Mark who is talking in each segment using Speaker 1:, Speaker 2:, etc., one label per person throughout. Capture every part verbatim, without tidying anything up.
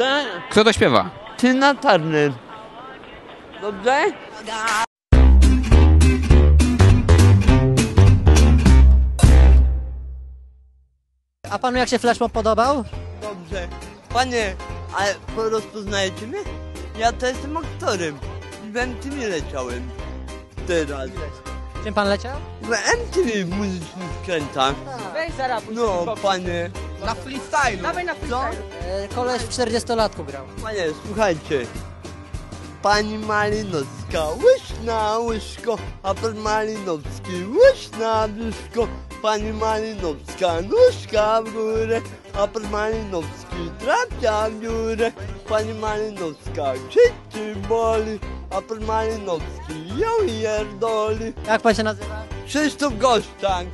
Speaker 1: Tak?
Speaker 2: Kto to śpiewa?
Speaker 1: Tina Turner. Dobrze?
Speaker 3: A panu jak się flashmob podobał?
Speaker 1: Dobrze. Panie, ale rozpoznajecie mnie? Ja to jestem aktorem. W M T V leciałem. Teraz.
Speaker 3: Czym pan leciał?
Speaker 1: W M T V muzycznych skrętach.
Speaker 4: Weź zaraz,
Speaker 1: No, panie.
Speaker 4: na freestyle. Dawaj na freestyle.
Speaker 3: E, koleś w czterdziestolatku grał.
Speaker 1: Panie, słuchajcie. Pani Malinowska, łyż na łyżko, a pan Malinowski, łyż na brzuszko. Pani Malinowska, nóżka w górę, a pan Malinowski trafia w dziurę. Pani Malinowska krzyczy boli, a pan Malinowski ją pierdoli.
Speaker 3: Jak pan się nazywa?
Speaker 1: Krzysztof Goszczak.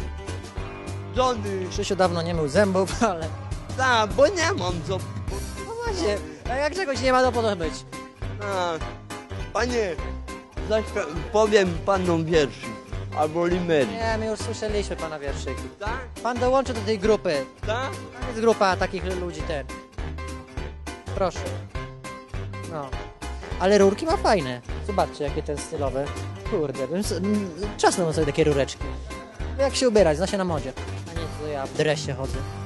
Speaker 1: Żony.
Speaker 3: Krzysiu dawno nie mył zębów, ale...
Speaker 1: Tak, bo nie mam co.
Speaker 3: No właśnie, a jak czegoś nie ma, to po to być.
Speaker 1: A, panie, zaśpia- powiem panom wierszyk, albo limery.
Speaker 3: Nie, my już słyszeliśmy pana wierszyki.
Speaker 1: Tak?
Speaker 3: Pan dołączy do tej grupy.
Speaker 1: Tak?
Speaker 3: To jest grupa takich ludzi, ten. Proszę. No. Ale rurki ma fajne. Zobaczcie, jakie ten stylowe. Kurde, bym s- m, czasem mam sobie takie rureczki. Jak się ubierać, zna się na modzie. A nie, to ja w dresie chodzę.